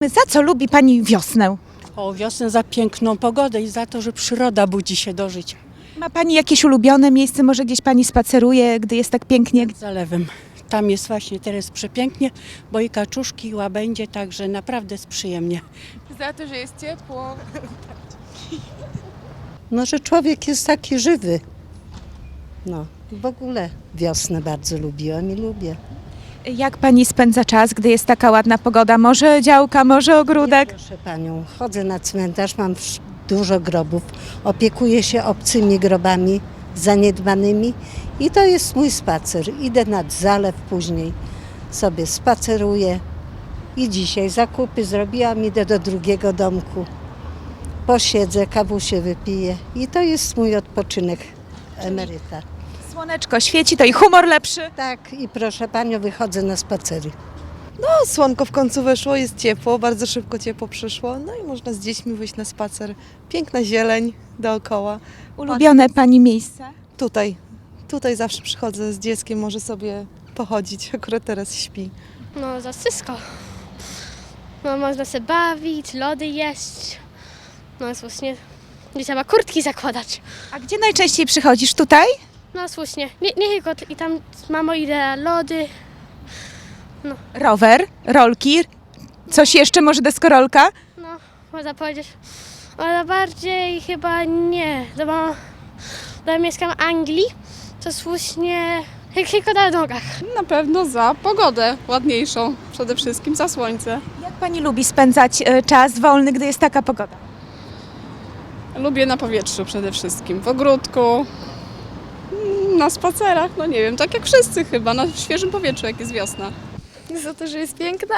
Za co lubi Pani wiosnę? O wiosnę za piękną pogodę i za to, że przyroda budzi się do życia. Ma Pani jakieś ulubione miejsce? Może gdzieś Pani spaceruje, gdy jest tak pięknie? Z zalewem. Tam jest właśnie teraz przepięknie, bo i kaczuszki, i łabędzie, także naprawdę jest przyjemnie. Za to, że jest ciepło. No, że człowiek jest taki żywy. No, w ogóle wiosnę bardzo lubiłam i lubię. Jak Pani spędza czas, gdy jest taka ładna pogoda? Może działka, może ogródek? Proszę panią, chodzę na cmentarz, mam dużo grobów, opiekuję się obcymi grobami zaniedbanymi i to jest mój spacer. Idę nad zalew później, sobie spaceruję i dzisiaj zakupy zrobiłam, idę do drugiego domku, posiedzę, kawusię wypiję i to jest mój odpoczynek emeryta. Słoneczko świeci, to i humor lepszy. Tak, i proszę panią, wychodzę na spacery. No, słonko w końcu weszło, jest ciepło, bardzo szybko ciepło przyszło, no i można z dziećmi wyjść na spacer. Piękna zieleń dookoła. Ulubione Pani miejsca? Tutaj zawsze przychodzę z dzieckiem, może sobie pochodzić, akurat teraz śpi. No za wszystko. No można się bawić, lody jeść. No słusznie. Nie trzeba kurtki zakładać. A gdzie najczęściej przychodzisz? Tutaj? No słusznie. Nie tylko i tam mamo idę lody. Rower, rolki, coś jeszcze, może deskorolka? No można powiedzieć. Ale bardziej chyba nie. Bo mieszkam w Anglii, to słusznie tylko na nogach. Na pewno za pogodę ładniejszą, przede wszystkim za słońce. Jak Pani lubi spędzać czas wolny, gdy jest taka pogoda? Lubię na powietrzu przede wszystkim, w ogródku, na spacerach, no nie wiem, tak jak wszyscy chyba, na świeżym powietrzu, jak jest wiosna. Za to, że jest piękna.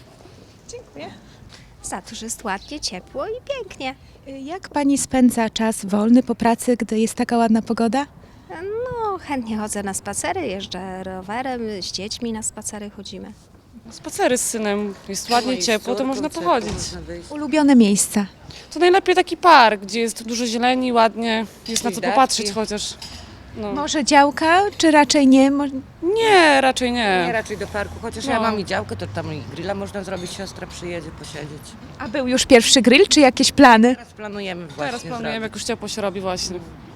Za to, że jest ładnie, ciepło i pięknie. Jak Pani spędza czas wolny po pracy, gdy jest taka ładna pogoda? No, chętnie chodzę na spacery, jeżdżę rowerem, z dziećmi na spacery chodzimy. Spacery z synem, jest ładnie ciepło, to można pochodzić. Ulubione miejsca? To najlepiej taki park, gdzie jest dużo zieleni, ładnie, jest na co popatrzeć chociaż. No. Może działka, czy raczej nie? Nie, raczej Nie, nie. raczej do parku, chociaż ja mam i działkę, to tam i grilla można zrobić, siostra przyjedzie posiedzieć. A był już pierwszy grill, czy jakieś plany? Teraz planujemy właśnie Teraz planujemy, jak już ciepło się robi właśnie.